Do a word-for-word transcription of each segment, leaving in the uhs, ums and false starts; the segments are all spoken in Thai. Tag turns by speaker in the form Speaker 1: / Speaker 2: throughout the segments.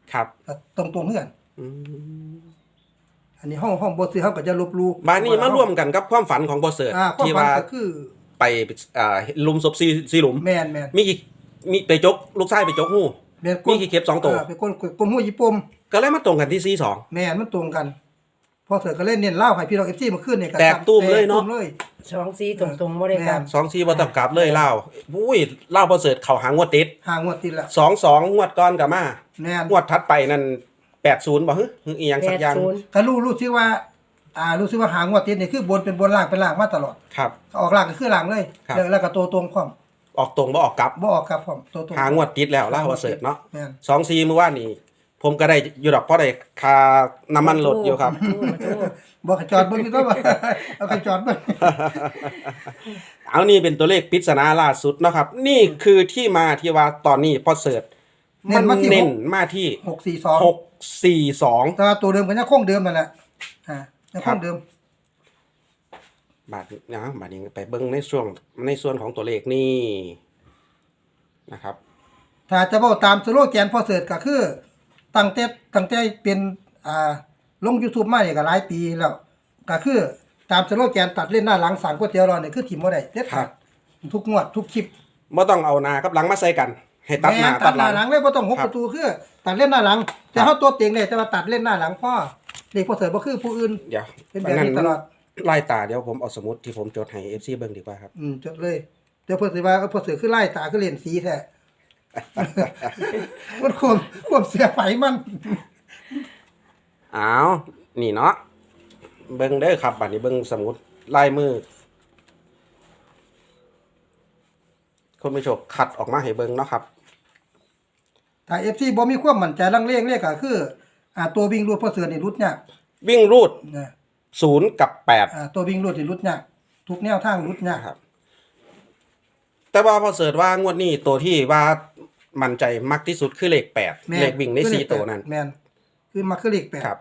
Speaker 1: ครับ
Speaker 2: ตรงๆเหมือนกันอันนี้ห้องห้องบ่ซื้อเฮาก็จะลบลู่
Speaker 1: บาดนี้มาร่วมกันกับความฝันของบ่เสิร์ชที่ว่า
Speaker 2: คือ
Speaker 1: ไปอ่าลุมศพซีซีหลุม
Speaker 2: แม่นๆ
Speaker 1: มีมีไปจกลูกชายไปจกหู้มีกี่เข็บสองตัว
Speaker 2: เป็นคนคนหู้ญี่ปุ่ม
Speaker 1: ก็เลยมาตรงกันที่ซีสอง
Speaker 2: แม่นมันตรงกันพอเสิร์ชก็เล่นเน้นเล่าให้พี่น้อง เอฟ ซี มาขึ้นเนี่ยก็
Speaker 1: แตกตุ้มเลยเนาะ
Speaker 3: สองซีตรงๆบ่ได้กลับ
Speaker 1: สองซีบ่ต้องกลับเลยเล่าอุ้ยเล่าบ่เสิร์ชเข้าหางวดติด
Speaker 2: หางวดติดละ
Speaker 1: สอง สองงวดก่อนก็มา
Speaker 2: แม่น
Speaker 1: งวดถัดไปนั่นแปดสิบบ่ฮึอีหยังสักอย่าง
Speaker 2: ก็รู้รู้สึกว่าอ่ารู้สึกว่าหางวดติดนี่คือบนเป็นบนล่างเป็นล่างมาตลอด
Speaker 1: ครับ
Speaker 2: ออกล่างก็คือล่างเลยแล้วก็ตัวตรงพร้อม
Speaker 1: ออกตรงบ่ออกกลับ
Speaker 2: บ่ออกกลับพร้อมตัวตรง
Speaker 1: หางวดติดแล้วเล่าบ่เสิร์ชเนาะ
Speaker 2: แม่น
Speaker 1: สอง สี่มื้อวานนี้ผมก็ได้อยู่ดอกเพราะได้ค่าน้ำมันรถอยู่ครับ
Speaker 2: บ่ขจอดเบิ่งอยู่ก็ว่าเอาขจอดเบิ่ง
Speaker 1: เอานี่เป็นตัวเลขปริศนาล่าสุดนะครับนี่คือที่มาที่ว่าตอนนี้พอเสิร์ชมันเน้นมาที่
Speaker 2: หก สี่ สอง
Speaker 1: หก สี่ สอง
Speaker 2: แต่ตัวเดิมก็ยังคงเดิมนั่นแหละอ่ายังคงเดิม
Speaker 1: บาทนะบาทนี้ไปเบิ่งในช่วงในส่วนของตัวเลขนี่นะครับ
Speaker 2: ถ้าจะเว้าตามสโลแกนพอเสิร์ชก็คือตั้งแต่ตั้งแต่เป็นอ่าลง YouTube มานี่ก็หลายปีแล้วก็คือตามสโลแกนตัดเล่นหน้าหลังสั่งก๋วยเตี๋ยวรอนี่คือทิ่มบ่ได้เด็ดขาดทุกงวดทุกคลิป
Speaker 1: บ่ต้องเอาหน้ากับหลังมาใส่กันให้ตัดหน้า
Speaker 2: ตัดหน้าหลังเลยบ่ต้องหกประตูคือตัดเล่นหน้าหลังแต่เฮาตัวเต็งเลยแต่ว่าตัดเล่นหน้าหลังพ่อเด็กพอเสิร์ชบ่คือผู้อื่น
Speaker 1: เดี๋ยว
Speaker 2: เป็นแบบนี้ตลอด
Speaker 1: ไล่ตาเดี๋ยวผมเอาสมุดที่ผมจดให้ เอฟ ซี เบิ่งดีกว่าครับ
Speaker 2: อืมจดเลยเดี๋ยวเพิ่นสิว่าพอเสิร์ชคือไล่ตาคือเล่นสีแท้มันควบควบเสียไฟมัน
Speaker 1: อ้าวนี่เนาะเบิ่งเด้อครับบัดนี้เบิ่งสมุดลายมือคนผู้ชมคัดออกมาให้เบิ่งเนาะครับ
Speaker 2: ถ้า เอฟ ซี บ่มีความมั่นใจลังเลเลขก็คืออ่าตัววิ่งรูดพอเสือนี่รุดยาก
Speaker 1: วิ่งรูดนะศูนย์กับแปด
Speaker 2: อ่าตัววิ่งรูดนี่รุดยากทุกแนวทางรุดยาก
Speaker 1: ครับแต่ว่าพอเสิร์ชว่างวดนี้ตัวที่ว่ามั่นใจมากที่สุดคือเลขแปดเลขวิ่งในสี่ตัวนั้น
Speaker 2: แม่นคือมาคือเลขแปด
Speaker 1: ครับ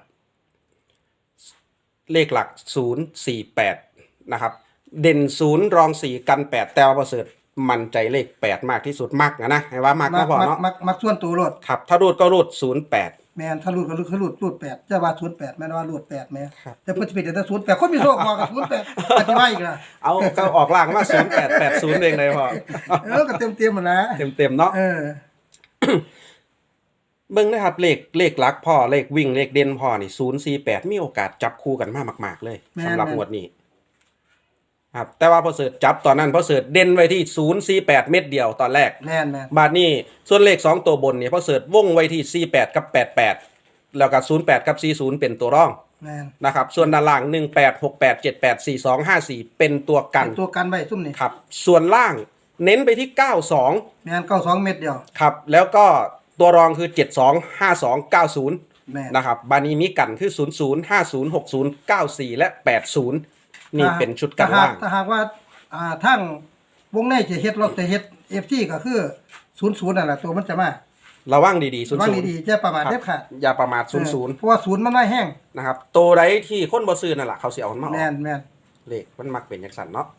Speaker 1: เลขหลักศูนย์ สี่ แปดนะครับเด่นศูนย์รองสี่กันแปดแต่ว่าพอเสิร์ชมั่นใจเลขแปดมากที่สุดมักนะนะให้ว่ามากก็พอเนาะ
Speaker 2: มักมักส่วนตัวรูด
Speaker 1: ครับถ้ารูดก็รูดศูนย์ แปด
Speaker 2: แม่นถ้ารูดก็รูดคือรูดรูดแปดจะว่าศูนย์ แปดแม่นว่ารูดแปดแม่แต่เพิ่นสิเป็นแต่ศูนย์ แปดคนมีโชคบ่กับศูนย์ แปดอธิบายอีกล่ะ
Speaker 1: เอาก็ออกล่างมาศูนย์ แปด แปด ศูนย์เองเลยพอ
Speaker 2: เออก็เต็มๆหมดนะ
Speaker 1: เต็มๆเนาะ
Speaker 2: เออ
Speaker 1: เบิ่งนะครับเลขเลขหลักพ่อเลขวิ่งเลขเด่นพ่อนี่ศูนย์ สี่ แปดมีโอกาสจับคู่กันมากมากๆเลยสำหรับงวดนี้ครับแต่ว่าพอเสิร์ชจับตอนนั้นพอเสิร์ชเด่นไว้ที่ศูนย์ สี่ แปดเม็ดเดียวตอนแรก
Speaker 2: แม่นๆ
Speaker 1: บาดนี้ส่วนเลขสองตัวบนนี่พอเสิร์ชวงไว้ที่สี่ แปดกับแปด แปดแล้วก็ศูนย์ แปดกับสี่สิบเป็นตัวรองนะครับส่วนด้านล่างหนึ่ง แปด หก แปด เจ็ด แปด สี่ สอง ห้า สี่เป็นตัวกัน
Speaker 2: เป็นตัวกันไว้ซุ่มนี่
Speaker 1: ครับส่วนล่างเน้นไปที่เก้าสอง
Speaker 2: แม่นเก้าสองเม็ดเดียว
Speaker 1: ครับแล้วก็ตัวรองคือเจ็ดสอง ห้าสอง เก้าศูนย์นะครับบานี้มีกันคือศูนย์ ศูนย์ ห้าศูนย์ หกศูนย์ เก้าสี่และแปดศูนย์นี่เป็นชุดกันล่าง
Speaker 2: ถ้าหากว่าอ่าทั้งวงในจะเฮ็ดรถจะเฮ็ด เอฟ ซี ก็คือศูนย์ ศูนย์นั่นแหละตัวมันจะมา
Speaker 1: ระวังดีๆศูนย์
Speaker 2: ระวังดีๆอย่าประมาทเด็ดขาด
Speaker 1: อย่าประมาทศูนย์ ศูนย์
Speaker 2: เพราะว่าศูนย์มันไม่แห้ง
Speaker 1: นะครับตัวใดที่คนบ่ซื้อนั่นแหละเขาสิเอามันมาออก
Speaker 2: แม่นแม่น
Speaker 1: เลขมันมักเป็นจังซั่นเนาะ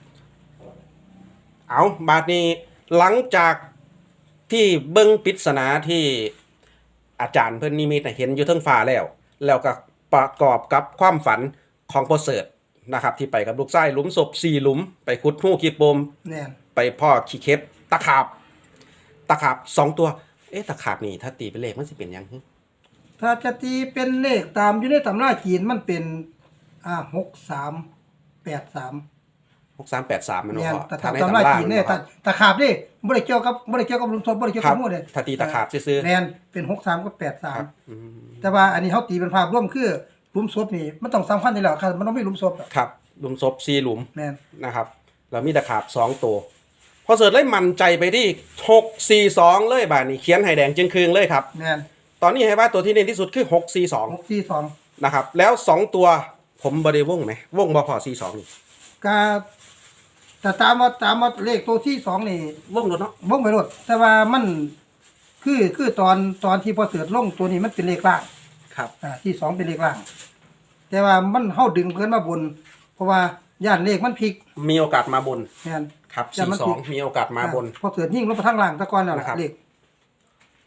Speaker 1: เอาบาดนี้หลังจากที่เบิ่งปริศนาที่อาจารย์เพิ่นนิมิตเห็นอยู่เทิงฟ้าแล้วแล้วก็ประกอบกับความฝันของพ่อเสิร์ชนะครับที่ไปกับลูกชายหลุมศพสี่หลุมไปขุดหู้ขี้ปมไปพ่อขี้เข็บตะขาบตะขาบสองตัวเอ๊ะตะขาบนี่ถ้าตีเป็นเลขมันสิเป็นยัง
Speaker 2: ถ้าจะตีเป็นเลขตามอยู่ในตำราจีนมันเป็นอ่าหกสามแปดสาม
Speaker 1: หกสามแปดสามมัน
Speaker 2: ว่าแต่ตำราจีนเนี่ยตะขาบนี่บ่ได้เกี่ยวกับบ่ได้เกี่ยวกับหลุมศพบ่ได้เกี่ยวกับหมู่เด้
Speaker 1: ถ้าตีตะขาบซื่อ
Speaker 2: ๆแม่นเป็นหกสามกับแปดสามแต่ว่าอันนี้เฮาตีเป็นภาพรวมคือหลุมศพนี่มันต้องสำคัญนี่แหละครับมันต้องมีหลุมศพ
Speaker 1: ครับหลุมศพสี่หลุม
Speaker 2: แม่น
Speaker 1: นะครับแล้วมีตะขาบสองตัวพอเสิร์ชเลยมั่นใจไปที่หก สี่ สองเลยบาดนี้เขียนให้แดงจึงคืงเลยครับ
Speaker 2: แม่น
Speaker 1: ตอนนี้ให้ว่าตัวที่เด่นที่สุดคือหก สี่ สอง
Speaker 2: หก สี่ สอง
Speaker 1: นะครับแล้วสองตัวผมบ่ได้วงไหมวงบ่พอสี่ สองนี่
Speaker 2: ก็แต่ตามว่าตามว่าเลขตัวที่สองนี่
Speaker 1: วงรถเนาะ
Speaker 2: วงไปรถแต่ว่ามันคือคือตอนตอนที่พอเสิร์ชลงตัวนี้มันเป็นเลขล่าง
Speaker 1: ครับ
Speaker 2: อ่าที่สองเป็นเลขล่างแต่ว่ามันเฮาดึงเพิ่นมาบนเพราะว่าย่านเลขมันพลิก
Speaker 1: มีโอกาสมาบน
Speaker 2: แม่น
Speaker 1: ครับสี่ สองมีโอกาสมาบน
Speaker 2: พอเสิร์ชยิ่งลงไปทางล่างตะกอนแล้วเลข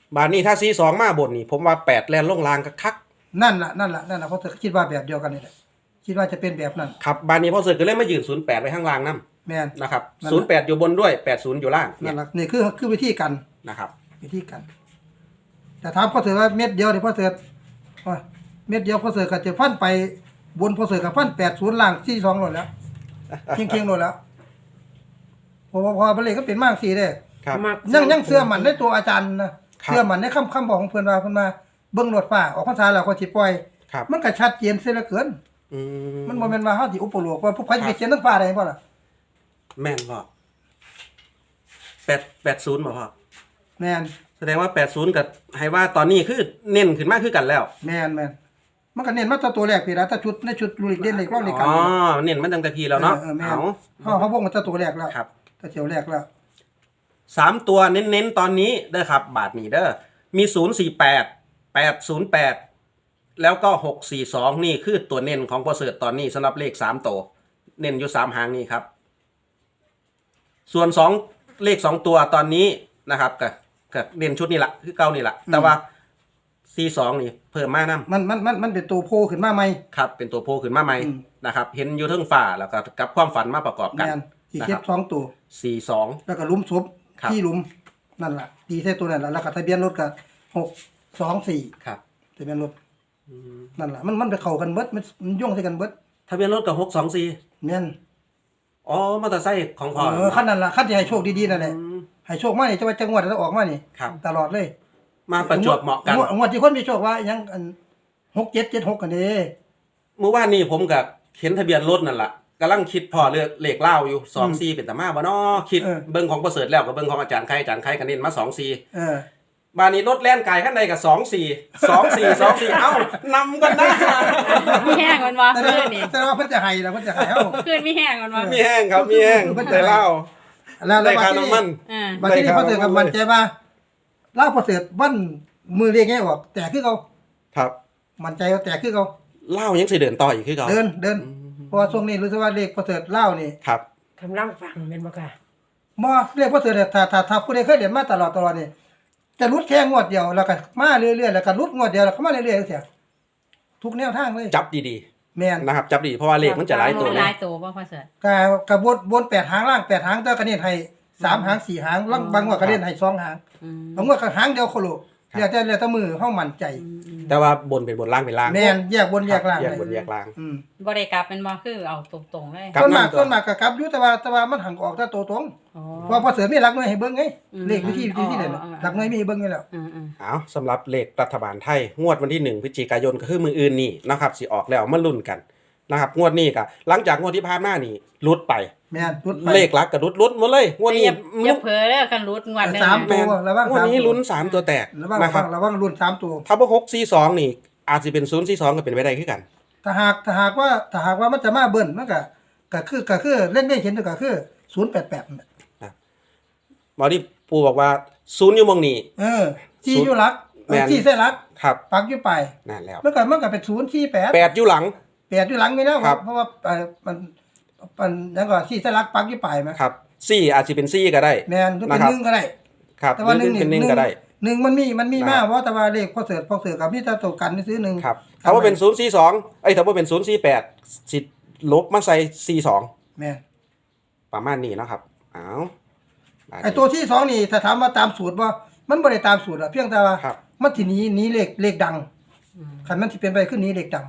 Speaker 1: บานนี้ถ้าซีสองมาบนนี่ผมว่าแปดแลนลงลางคัก
Speaker 2: นั่นล่ะนั่นล่ะนั่นล่ะเพราะเธอคิดว่าแบบเดียวกันนี่แหละคิดว่าจะเป็นแบบนั้น
Speaker 1: ๆครับบานนี้พ่อเสือก็เลยมายืนศูนย์แปดไว้ข้างล่างนํ
Speaker 2: แม่น
Speaker 1: นะครับ
Speaker 2: นั่น
Speaker 1: ศู
Speaker 2: แห
Speaker 1: น
Speaker 2: ละ
Speaker 1: ย์แปดอยู่บนด้วยแปดศูนย์อยู่ล่างเนี่
Speaker 2: นั่
Speaker 1: ย
Speaker 2: นล่ะนี่คือคือวิธีกัน
Speaker 1: นะครับ
Speaker 2: วิธีกันแต่ถามพ่อเสือว่าเม็ดเดียวนี่พ่อเสือว่าเม็ดเดียวพ่อเสือก็จะฟันไปบนพ่อเสือก็ฟันแปดศูนย์ล่างที่สองหมดแล้วเคียงเคียงหมดแล้วพอพอพอไปเลยก็เป็นมากสี่เด้
Speaker 1: ครับ
Speaker 3: มัก
Speaker 2: ยังยังเชื่อมันในตัวอาจารย์นะครับ เชื่อมันในคำคำบอกของเพิ่นว่าเพิ่นมาเบิ่งรถฟ้าออกพรรษาแล้วก็สิปล่อย
Speaker 1: ครับ
Speaker 2: มันก็ชัดเจนเสียเหลือเกิน
Speaker 1: อืม
Speaker 2: มันบ่แม่นว่าเฮาสิอุปโลกว่าผู้ใครจะไปเขียนทั้งฟ้าได้บ่ล่ะ
Speaker 1: แม่นพ่อแปดแปดศูนย์บ่พ่อ
Speaker 2: แม่น
Speaker 1: แสดงว่าแปดศูนย์กับให้ว่าตอนนี้คือเน้นขึ้นมากขึ้นกันแล้ว
Speaker 2: แม่นแม่นมันก็เน้นมาตัวตัวแรกพี่ละถ้าชุดในชุดลุยเด่นเล็กรอบในกัน
Speaker 1: อ๋อเน้นมันตั้งแต่ทีแล้วเนาะ
Speaker 2: เออแม่น
Speaker 1: เอา
Speaker 2: เฮาเฮาวงมาตัวแรกแล้ว
Speaker 1: ครับ
Speaker 2: ถ้าเจียวแรกแล้ว
Speaker 1: สามตัวเน้นๆตอนนี้เด้อครับ บาทนี้เด้อมีศูนย์สี่แปดแปดศูนย์แปดแล้วก็หกสี่สองนี่คือตัวเน้นของพอเสิร์ตตอนนี้สำหรับเลขสามตัวเน้นอยู่สามหางนี่ครับ ส่วนสองเลขสองตัวตอนนี้นะครับกับกับเน้นชุดนี่แหละคือเก้านี่แหละแต่ว่าสี่สองนี่เพิ่มมากน้ำ
Speaker 2: มันมันมันมันเป็นตัวโผล่ขึ้นมาใหม่
Speaker 1: ครับเป็นตัวโพขึ้นมาใหม่
Speaker 2: อืม
Speaker 1: นะครับ เห็นอยู่เทิงฝ่าแล้วก็กับความฝันมาประกอบกัน
Speaker 2: แม่นสิ
Speaker 1: นะ
Speaker 2: เก็
Speaker 1: ครับ บ
Speaker 2: สองตัว
Speaker 1: สี่สอง
Speaker 2: แล้วก็หลุมศพ
Speaker 1: ครับ
Speaker 2: ที่หลุมนั่นล่ะตีใส่ตัวนั่นล่ะแล้วก็ทะเบียนรถก็หกสองสี่
Speaker 1: ครับ
Speaker 2: ทะเบียนรถนั่นล่ะมันมันไปเข้ากันเบิดมันมันย่งใส่กันเบิด
Speaker 1: ทะเบียนรถกับหกสองสี่
Speaker 2: แม่น
Speaker 1: อ๋อมอเตอร์ไซค์ของพ่อ
Speaker 2: เออคันนั้นล่ะคันที่ให้โชคดีๆนั่นแหละ
Speaker 1: อืม
Speaker 2: ให้โชคมานี่จะว่าจังหวัดจะออกมานี่
Speaker 1: ครับ
Speaker 2: ตลอดเลย
Speaker 1: มาประจวบเหมาะกัน
Speaker 2: งวดงวดที่คนมีโชคว่ายังอันหกเจ็ดเจ็ดหกกันเด้
Speaker 1: เมื่อวานนี้ผมกับเห็นทะเบียนรถนั่นแหละกำลังคิดพอเลือกเลขเล่าอยู่สองสี่เป็นตามาบ่เนาะคิดเบิ้งของประเสริฐแล้วกับเบิ้งของอาจารย์ใครอาจารย์ใครกันเน้นมาสองสี่
Speaker 2: เออ
Speaker 1: บานนี้รถแล่นไกลข้างในกับสองสี่สองสี่สองสี่เอ้านำกันนะ
Speaker 3: มีแห้งมันวะ
Speaker 2: แต่
Speaker 3: คื
Speaker 2: ว่าน
Speaker 3: นี่
Speaker 2: แต่ว่าเพิ่นจะให้แล้วเพิ่นจะให้เฮา
Speaker 3: คืนมีแห้งมันวะ
Speaker 1: มีแห้งครับมีแห้งได้เล่า
Speaker 2: แล้วแล้
Speaker 1: ได้
Speaker 2: ว
Speaker 1: ค่า
Speaker 2: บัด
Speaker 1: น้ำมัน
Speaker 3: อ่า
Speaker 2: บัดนี้พอเสือกับมันใจว่าลาวพอเสือวันมือเรียกแง่ออกแต่คือเขา
Speaker 1: ครับ
Speaker 2: มันใจว่าแต่คือเขา
Speaker 1: เล่ายังสิเดินต่ออีกคือเก่า
Speaker 2: เดินเดินเพราะว่าช่วงนี้รู้สึกว่าเลขพอเสือลาวนี่
Speaker 1: ครับ
Speaker 3: กำลังฟังเป็นบ่ค่ะ
Speaker 2: บ่เลขพอเสือเนี่ยถ้าถ้าถ้าผู้ใดเคยเรียนมาตลอดตลอดนี่จะรุดแค่งวดเดียวแล้วก็มาเรื่อยๆแล้วก็รุดงวดเดียวแล้วก็มาเรื่อยๆจังซี่ทุกแนวทางเลย
Speaker 1: จับดี
Speaker 2: แม่น
Speaker 1: ๆนะครับ จับดีเพราะว่าเลขมันจะหลายตัว
Speaker 3: ห
Speaker 1: เล
Speaker 3: ลาย ยตัวบ่พ่อเสิร์ช
Speaker 2: กกระบวนบนแปดหางล่างแปดหางแต่ก็เน้นให้สามหางสี่หางลางบางงวดก็เน้นให้สองหาง
Speaker 3: อืม
Speaker 2: บางงวดก็หางเดียวโคโลเรียกแต่เรียกแต่มือเฮามั่นใจ
Speaker 1: แต่ว่าบนเป็นบนล่างเป็นล่าง
Speaker 2: แม่นแยกบนแยกล่าง
Speaker 1: แยก
Speaker 2: เลย
Speaker 1: บนแยกล่าง
Speaker 2: อืม
Speaker 3: บ่ได้กลับเป็นบ่คือเอาตรงๆเลย
Speaker 1: ครับ
Speaker 2: ต้นมาก
Speaker 1: นั่นก็
Speaker 2: ต้นมากก็กลับอยู่แต่ว่าแต่ว่ามันหังออกแต่ตัวตรง
Speaker 3: อ๋อ
Speaker 2: เพราะพอเสือมีหลักหน่วยให้เบิ่งไง
Speaker 3: อืม
Speaker 2: เลขวิธีวิธีที่ไหนน่ะ
Speaker 3: อ๋ออ๋อ
Speaker 2: หลักหน่วยมีให้เบิ่งอยู่แล้ว
Speaker 3: อืมอืม
Speaker 1: เอาสำหรับเลขรัฐบาลไทย งวดวันที่หนึ่งพฤศจิกายนก็คือมืออื่นนี่นะครับสิออกแล้วมาลุ้นกันนะครับงวดนี้ก็หลังจากงวดที่ผ่านมานี่ลุดไป
Speaker 2: แม่นรุดไป
Speaker 1: เลขหลักกับลุดลุดหมดเลยงวดนี้
Speaker 3: อย่าอย่าเผลอเด้อกันรุดงวดหนึง
Speaker 2: สาม
Speaker 3: นะ
Speaker 2: ตัวระวัง
Speaker 1: งวด
Speaker 2: สาม
Speaker 1: นี้
Speaker 2: ตัว
Speaker 1: ลุ้นสามตัวแตก
Speaker 2: ระวัง
Speaker 1: นะครับ
Speaker 2: ระวังรุ่นสามตัว
Speaker 1: ถ้าว่าหกสี่สองนี่อาจจะเป็นศูนย์สี่สองก็เป็นไปได้ขึ้นกัน
Speaker 2: ถ้าหากถ้าหากว่าถ้าหากว่ามันจะมาเบิ่นมันก็ก็คือก็คือเล่นได้เห็นก็คือศูนย์แปดแปดนั่นแหละ
Speaker 1: หมอที่ปูบอกว่าศูนย์อยู่มองนี่
Speaker 2: เออที่อยู่หลัก
Speaker 1: แม่น
Speaker 2: ที่ใส่หลัก
Speaker 1: ครับ
Speaker 2: ปักอยู่ไป
Speaker 1: นั่นแล้ว
Speaker 2: มันก็มันก็เป็นศูนย์ที่แปด
Speaker 1: แปดอยู่หลัง
Speaker 2: แปดอยู่หลังนี่แล้ว
Speaker 1: ครับ
Speaker 2: เพราะว่าเอ่อมันมันยังก็ที่ใส่หลักปักอยู่ไปมั้ย
Speaker 1: ครับสี่อาจจะเป็นสี่ก็ได้
Speaker 2: แม่นหรือเป็น
Speaker 1: นะครับ
Speaker 2: หนึ่งก็ได้
Speaker 1: ครับ
Speaker 2: แต่ว่า
Speaker 1: ห
Speaker 2: ห
Speaker 1: รื
Speaker 2: นึ่
Speaker 1: อง เป็นหนึ่งก็ได้
Speaker 2: หนึ่งมันมีมันมี
Speaker 1: นะ
Speaker 2: มากเพราะแต่ว่าเลขพอเสือพอเสือกับพี่ตาตกกันนี่ซื้อหนึ่ง
Speaker 1: ครับถ้าว่าเป็นศูนย์สี่สองไอ้ยถ้าว่าเป็นศูนย์สี่แปดสิลบมาใส่สี่สอง
Speaker 2: แม่น
Speaker 1: ประมาณนี้เนาะครับอ้าว
Speaker 2: ไอ้ตัวที่สองนี่ถ้าถามว่าตามสูตรว่ามันบ่ได้ตามสูตรอะเพียงแต่ว่า
Speaker 1: ครับ
Speaker 2: มันสิหนี้นี้เลขเลขดัง
Speaker 3: อืม
Speaker 2: คันมันสิเป็นไปขึ้นหนี้เลขดัง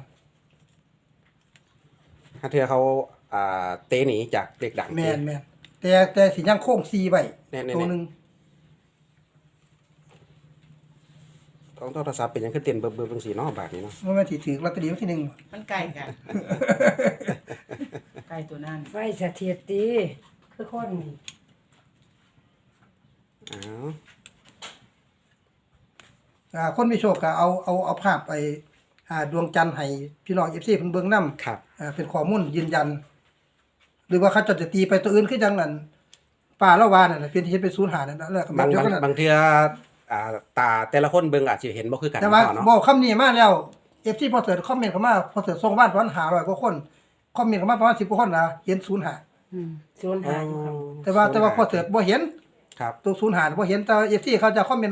Speaker 1: ถ้าเธอเขาอ่าเตะหนีจากเด็กดัง
Speaker 2: แม่นแม่นแต่แต่สิยังโค้งซีไว้
Speaker 1: แน่ๆๆ
Speaker 2: ตัวหนึง
Speaker 1: ต้องโทรศัพท์เป็นหยังขึ้นเต้นเบอร์เบอร์เป็นสีเนาะแบบนี้เนาะ
Speaker 2: มันมันสิถือลอตเตอรี่วันที่หนึ่ง
Speaker 4: มันไกลกัน ไกลตัวนั้น
Speaker 3: ไฟเสถียรตีคือคนนี่
Speaker 1: อ้าว
Speaker 2: อ่าคนมีโชคก็เอาเอาเอาภาพไปอ่าดวงจันทร์ให้พี่น้อง เอฟ ซี เพิ่นเบิ่งนำ
Speaker 1: ครับ
Speaker 2: อ่าเป็นข้อมูลยืนยัน หรือว่าเขาจะตีไปตัวอื่นคือจังนั้นป่าละวานั่นน่ะเป็นเฮ็ดเป็นศูนย์หานั่นน่ะแล้วก็แบบ
Speaker 1: บาง
Speaker 2: เดียว
Speaker 1: บาง
Speaker 2: กันน่ะ
Speaker 1: บางเทื่ออ่าตาแต่ละคนเบิ่งอาจจะเห็นบ่คือกัน
Speaker 2: แต่ว่า
Speaker 1: เนาะ
Speaker 2: บอกคำนี้มาแล้ว เอฟ ซี พอเสิร์ชคอมเมนต์เข้ามาพอเสิร์ชส่งบ้านประมาณห้าร้อยกว่าคนคอมเมนต์เข้ามาประมาณสิบกว่าคนนะเห็นศูนย์หา
Speaker 3: อืมศูนย์
Speaker 1: อ๋อ
Speaker 3: หาอยู่ครับ
Speaker 2: แต่ว่าแต่ว่าพอเสิร์ชบ่เห็น
Speaker 1: ครับ
Speaker 2: ตัวศูนย์หาบ่เห็นแต่ เอฟ ซี เขาจะคอมเมนต์ว่า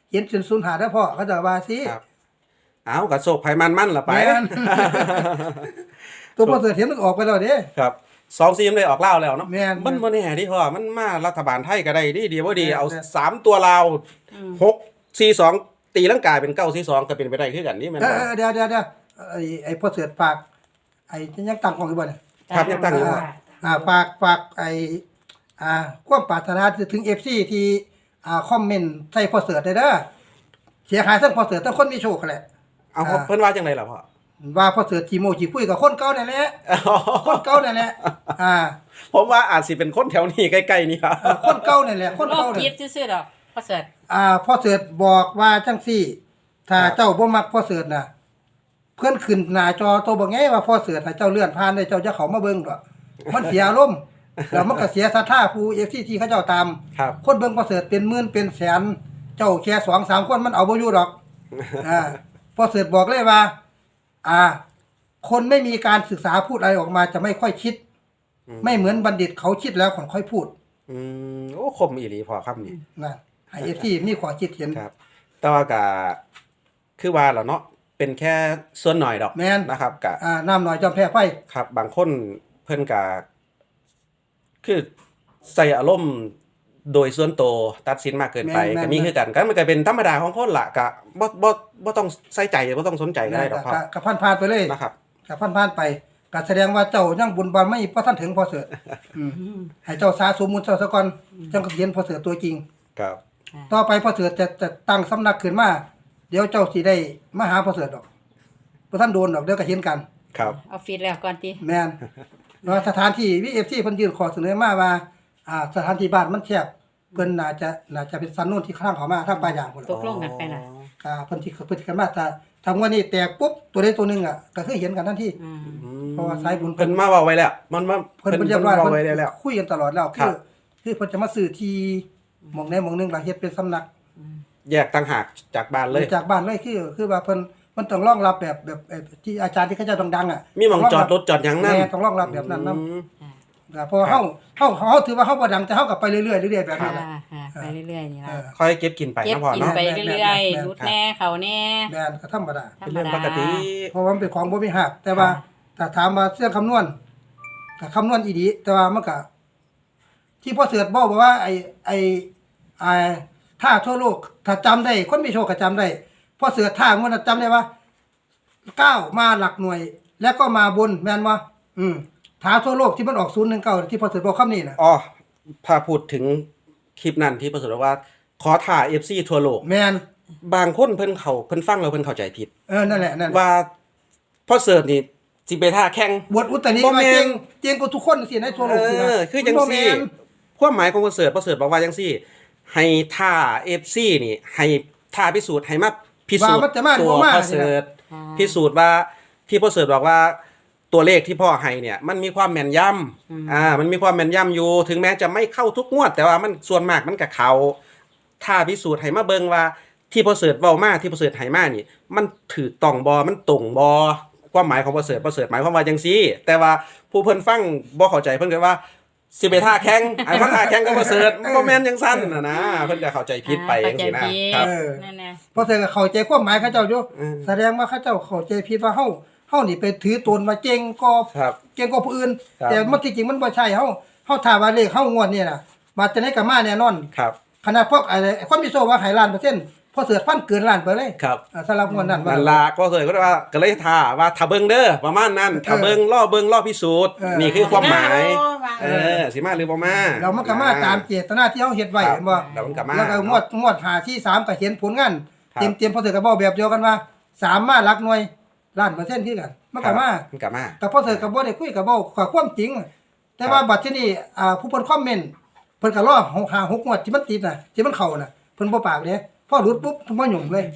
Speaker 2: เห็นศูนย์หาได้พ่อเขาจะว่าสิ
Speaker 1: ครับเอากระโศกไผมันมันละไป
Speaker 2: แม่น ตัวพ่อเสือเห็นมันออกไปแล้วเด้
Speaker 1: ครับสองซีมได้ออกเล่าวแล้วเนาะ
Speaker 2: แม่น
Speaker 1: มันบ่แน่ดิพ่อมันมารัฐบาลไทยก็ได้ดีดีบ่ดี
Speaker 2: แม่น
Speaker 1: เอา
Speaker 2: แม่น
Speaker 1: สามตัวลาว
Speaker 3: อืม
Speaker 1: หกสี่สองตีลังกาเป็นเก้าสี่สองก็เป็นไปได้คือกันนี่แม่น
Speaker 2: เอ
Speaker 1: บ่
Speaker 2: อเออเดี๋ยวเดี๋ยวเดี๋ยวไอ้ไอ้พ่อเสือฝากไอ้ยังตั้งของอยู่บ่เนี่ย
Speaker 1: ครับยังตั้งอยู่
Speaker 2: อ่าอ่าฝากฝากไอ้อ่าความปรารถนาถึง เอฟ ซี ที่อ่าคอมเมนต์ใส่พ่อเสือได้เด้อเสียหายทั้งพ่อเสือทั้งคนมีโชคกันแหละ
Speaker 1: เอาเพิ่นว่าจังไดล่ะพ่อ
Speaker 2: ว่าพ่อเสือจีโมจีคุยกับคนเก่านั่นแหละคนเก่านั่นแหละอ่า
Speaker 1: ผมว่าอาจสิเป็นคนแถวนี้ใกล้ๆนี่ครับ
Speaker 2: เอ่อคนเก่านั่นแหละคน
Speaker 3: โลก
Speaker 2: เก่านั่น
Speaker 3: คิดซื่อๆดอกพ่อเสิร์ช
Speaker 2: อ่าพ่อเสือบอกว่าจังซี่ ถ้า
Speaker 1: ครับ
Speaker 2: เจ้าบ่มักพ่อเสือน่ะ เพื่อนขึ้นหน้าจอตัวบ่ไงว่าพ่อเสือน่ะเจ้าเลื่อนผ่านได้เจ้าจะเข้ามาเบิ่งดอกมันเสียอารมณ์แล้วมันก็เสียศรัทธาผู้ เอฟ ซี ที่เขาเจ้าตาม
Speaker 1: ครับ
Speaker 2: คนเบิ่งพ่อเสือเป็นหมื่นเป็นแสนเจ้าแค่สองสามคนมันเอาบ่อยู่ดอกอ่าพ่อเสือบอกเลยว่า อ่า คนไม่มีการศึกษาพูดอะไรออกมาจะไม่ค่อยคิด
Speaker 1: อืม
Speaker 2: ไม่เหมือนบัณฑิตเขาคิดแล้วก่อนค่อยพูด
Speaker 1: อืมโอ้คมอีหลีพ่อครับนี่
Speaker 2: นะให้ เอฟ ซี มีขอคิดเห็น
Speaker 1: ครับ แต่ว่าก็คือว่าแล้วเนาะเป็นแค่ส่วนหน่อยดอก
Speaker 2: แม่น
Speaker 1: นะครับก็
Speaker 2: อ่าน้ำหน่อยจอมแพ้ไฟ
Speaker 1: ครับบางคนเพิ่นก็คือใส่อารมณ์โดยส่วนตัวตัดสินมากเกินไป
Speaker 2: แม่นๆ
Speaker 1: ก็มีคือกันก็มันก็เป็นธรรมดาของคนละก็บ่บ่บ่ต้องใส่ใจบ่ต้องสนใจก็ได้ดอกครับ
Speaker 2: กับพันพานๆไปเลย
Speaker 1: นะครับ
Speaker 2: กับพันพานๆไปก็แสดงว่าเจ้ายังบุญบารไม่พอท่านถึงพอเสืออืมให้เจ้าสาสมมุติเจ้าซะก่อนจังก็เห็นพอเสือตัวจริง
Speaker 1: ครับ
Speaker 2: ต่อไปพอเสือจะจะตั้งสำนักขึ้นมาเดี๋ยวเจ้าสิได้มาหาพอเสือดอกพอท่านโดนดอกเดี๋ยวก็เห็นกัน
Speaker 1: ครับ
Speaker 3: เอาฟีดแล้วก่อนติ
Speaker 2: แม่นเนาะสถานที่วี เอฟ ซี เพิ่นยื่นขอเสนอมาว่าอ่าสถานที่บ้านมันแคบเพิ่นน่าจะน่าจะเป็นสันนู่นที่ข้างเขามาทางปลายางพุ่น
Speaker 3: ต
Speaker 2: ล่ะ
Speaker 3: กลงกันไปน่ะ
Speaker 2: อ่าเพิ่นที่เพิ่นสิกันมาถ้าทำวันนี้แตกปุ๊บตัวใดตัวหนึงอ่ะก็คือเห็นกันทันที
Speaker 3: อืม
Speaker 1: อืม
Speaker 2: เพราะว่าสายบุญ
Speaker 1: เพิ่นมาเว้าไว้แล้ว มันมา
Speaker 2: เพิ่นเพิ่นเรียบร้อย
Speaker 1: เว้า
Speaker 2: เพิ่น
Speaker 1: ไว้ได้แล้ว
Speaker 2: คุยกันตลอดแล้ว
Speaker 1: ครั
Speaker 2: คือบ คือเพิ่นจะมาซื้อที่หม่องใดหม่องหนึงล่ะเฮ็ดเป็นสำนัก
Speaker 1: แยกต่างหากจากบ้านเลย
Speaker 2: จากบ้านเลยคือคือว่าเพิ่นมันต้องรองรับแบบแบบแบบที่อาจารย์ที่เขาเจ้าดังๆอ่ะ
Speaker 1: มีหม่องจอดรถจอดหยังนั่น
Speaker 2: แม่ต้องรองรับแบบนั้นนำ
Speaker 1: อืม
Speaker 2: เพราะว่าเฮาเฮาเฮาถือว่าเฮาบ่ดังแต่เฮาก็ไปเรื่อยๆเรื่อยๆแบบ
Speaker 3: ค่ะ
Speaker 2: นี้แหละ
Speaker 3: ค่ะไปเรื่อยๆนี่
Speaker 2: เอ
Speaker 3: ล่ะ
Speaker 2: อ
Speaker 1: ค่อยเก็บกินไป
Speaker 3: เก็บ
Speaker 1: นะพ่อ
Speaker 3: กิน
Speaker 1: เนาะ
Speaker 3: ไปเรื่อยๆรุดแน่เขาแน่
Speaker 2: แม่นก็ธรรมดา
Speaker 3: ธร
Speaker 1: เป็น
Speaker 3: รม
Speaker 1: เรื่อง
Speaker 3: ดา
Speaker 1: ปกติ
Speaker 2: เพราะว่ามันเป็นของบ่มีหักแต่ว่าถ้าถามว่าเรื่องคำนวณก็คำนวณอีดีแต่ว่ามันก็ที่พ่อเสือบอกว่าไอ้ไอ้ไอ้ถ้าทั่วโลกถ้าจำได้คนมีโชคก็จำได้พ่อเสือท่างวดนั้นจำได้ว่าเก้ามาหลักหน่วย แล้วก็มาบนแม่นบ่อืมถ้าทั่วโลกที่มันออกศูนย์หนึ่งเก้าที่พ่อเสือบอกคำนี้น่ะ
Speaker 1: อ๋อพาพูดถึงคลิปนั้นที่ประสบว่า ขอถ่า เอฟ ซี ทั่วโลก
Speaker 2: แม่น
Speaker 1: บางคนเพิ่นเขาเพิ่นฟังแล้วเพิ่นเข้าใจผิด
Speaker 2: เออนั่นแหละนั่นแหละ
Speaker 1: ว่าพ่อเสิร์ชนี่สิไปท่าแข่ง
Speaker 2: บวชอุตริ
Speaker 1: บ่
Speaker 2: ว่า
Speaker 1: แม่น
Speaker 2: เก่งเก่งกว่าทุกคนสิในทั่วโลกสิ
Speaker 1: เอ
Speaker 2: นะ
Speaker 1: อคือจังซี่
Speaker 2: บ่แม่น
Speaker 1: ความหมายของพ่อเสิร์ชพ่อเสิร์ชบอกว่าจังซี่ ให้ท่า เอฟ ซี นี่ ให้ท่าพิสูจน์ให้มาพิสูจ
Speaker 2: ว่ามัน
Speaker 1: น์
Speaker 2: จะมาหรือ
Speaker 1: ตัว
Speaker 2: บ่มา
Speaker 1: พ่อเสิร์ช
Speaker 3: อ่า
Speaker 1: พิสูจน์ว่าที่พ่อเสิร์ชบอกว่าตัวเลขที่พ่อให้เนี่ย มันมีความแม่นยำอ่า มันมีความแม่นยำอยู่ ถึงแม้จะไม่เข้าทุกงวด แต่ว่ามันส่วนมากมันก็เข้าถ้าพิสูจน์ให้มาเบิ่งว่าที่พ่อเสิร์ชเว้ามาที่พ่อเสิร์ชให้มานี่ มันถูกต้องบ่มันตรงบ่ความหมายของพ่อเสิร์ชพ่อเสิร์ชหมายความว่าจังซี่ แต่ว่าผู้เพิ่นฟังบ่เข้าใจเพิ่นก็ว่าสิไปท่าแข่งไอ้ว่าท่าแข่งก็บ่เสิร์ชบ่แม่นจังซั่นน่ะนะเพิ่นก็เข้าใจผิดไปจังซี่นะ
Speaker 3: เข้าใจผิด
Speaker 1: ครับ
Speaker 2: เออ
Speaker 3: นั่นน่ะ
Speaker 2: เพราะแต่ก็เข้าใจความหมายเขาเจ้าอยู่
Speaker 1: อืม
Speaker 2: แสดงว่าเขาเจ้าเข้าใจผิดว่าเฮาเฮานี่ไปถือตนว่าเก่งก็
Speaker 1: ครับ
Speaker 2: เก่งกว่าผู้อื่น
Speaker 1: ครับ
Speaker 2: แต่มันที่จริงมันบ่ใช่เฮาเฮาถ้าว่าเลขเฮางวดนี่น่ะมาจะได้ก็มาแน่นอน
Speaker 1: ครับ
Speaker 2: ขนาดพวกอะไรคนมีโซว่าให้ล้านเปอร์เซ็นต์พอเสือพันเกินล้านไปเลย
Speaker 1: ครับ
Speaker 2: อ่าสำหรับงวดนั้นว่า
Speaker 1: นั่นล่ะก็เลยก็ว่าก็เลยท่าว่าถ้าเบิ่งเด้อประมาณนั้นถ้าเบิ่งล่อเบิ่งล่อพิสูจน์
Speaker 2: เออ
Speaker 1: นี่คือความหมาย
Speaker 3: เอ
Speaker 1: เออสิมาหรือบ่มา
Speaker 2: เรามันก็มาตามเจตนาที่เฮาเฮ็ดไว้
Speaker 1: ครับ
Speaker 2: เห็นบ่
Speaker 1: แล้วมันก็มา
Speaker 2: แล้วก็งวดงวดหาที่สามก็เห็นผลงาน
Speaker 1: ครับ
Speaker 2: เต็มๆพอเสือก็บอกแบบเดียวกันว่าสามมาหลักหน่วยล้านเปอร์เซ็นต์คือกันมันก็มา
Speaker 1: มันก็มา
Speaker 2: แต่พอเธอกับบ่ได้คุยกับบ่ขอความจริง แต่ว่าบัดที่นี่อ่าผู้เพิ่นคอมเมนต์เพิ่นก็รอหก ห้า หกงวดที่มันติดน่ะที่มันเข้าน่ะเพิ่นบ่ปากเด้พอหลุดปุ๊บเพิ่นบ่หยุ่งเลย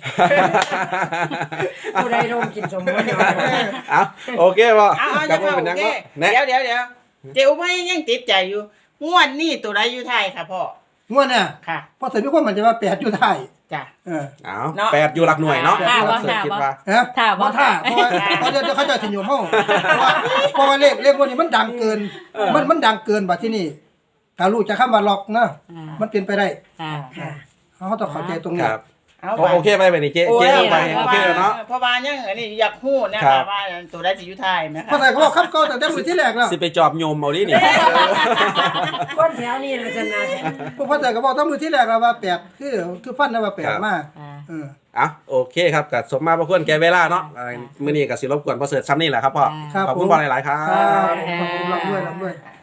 Speaker 3: ผู้ใดโดนกินสมบูรณ์
Speaker 1: เอาโอเคบ่
Speaker 4: เอาเอา
Speaker 1: กลั
Speaker 4: จะ
Speaker 1: บมา
Speaker 4: เฝ้า
Speaker 1: เป็น
Speaker 4: โอ
Speaker 1: ยัง
Speaker 4: เค
Speaker 1: บ่แนะ
Speaker 4: เดี๋ยวเดี๋ยวเดี๋ยวเจ้าไม่ยังติดใจอยู่ งวดนี้ตัวใดอยู่ไทยค่ะพ่อง
Speaker 2: วดเนี่ย
Speaker 4: ค่ะ
Speaker 2: พอเธอมีความมั่นใจว่าแปดอยู่ท้าย
Speaker 4: จ้ะ
Speaker 2: เออ
Speaker 1: เอา
Speaker 4: เนาะ
Speaker 1: แปดอยู่หลักหน่วยเนาะ
Speaker 3: ท่าบ่
Speaker 1: เสิร์ช
Speaker 3: ท่า
Speaker 1: คิด
Speaker 3: บ่
Speaker 1: ว่า
Speaker 2: ฮะ
Speaker 3: ท่าบ่
Speaker 2: บ่ท่าเพราะว่าเพราะเดี๋ยวเขาจะสิอยู่เฮาเพราะว่าเพราะว่าเลขเลขพวกนี้มันดังเกิน มันมันดังเกินบัดที่นี่ถ้ารู้จักคำว่าล็อกนะ
Speaker 3: อ่า
Speaker 2: มันเป็นไปได้
Speaker 3: อ่าค่ะ
Speaker 2: เขาต้องเข้าใจตรง
Speaker 1: ค
Speaker 2: นี้
Speaker 1: รับ
Speaker 4: เอา
Speaker 1: โอโอเคไปไปนี่เจ๊เจ๊ลงไปโอเคแล้วเนาะ
Speaker 4: เพราะว่ายังอันนี้อยากฮู้นะ
Speaker 1: ครั
Speaker 4: คะ
Speaker 1: บ
Speaker 4: ว่าตัวได้สิอยู่ไทยไหมคะ
Speaker 2: เพราะใส่เขาบอกคำเก่าตั้งแต่มือที่แรกแล้ว
Speaker 1: สิไปจอบโยมเอาดินี่
Speaker 3: คนแถวนี้ล่ะชนะ
Speaker 2: พวกพ่อใส่ก็บอกตั้งมือที่แรกแล้วว่าแปดคือคือฟันนะว่าแปดมา
Speaker 3: อ่า
Speaker 2: เออ
Speaker 1: อ่ะโอเคครับกับสมมาพระควรแก่เวลาเนาะอะไรมื้อนี้ก็สิรบกวนพ่อเสิร์ชซ้ำนี่แหละครับพ่อ
Speaker 2: ครับ
Speaker 1: ขอบคุณพ่อหลายๆครั
Speaker 2: ครับ
Speaker 1: บ
Speaker 2: ขอบคุณรับด้วยรับด้วย
Speaker 3: อ่า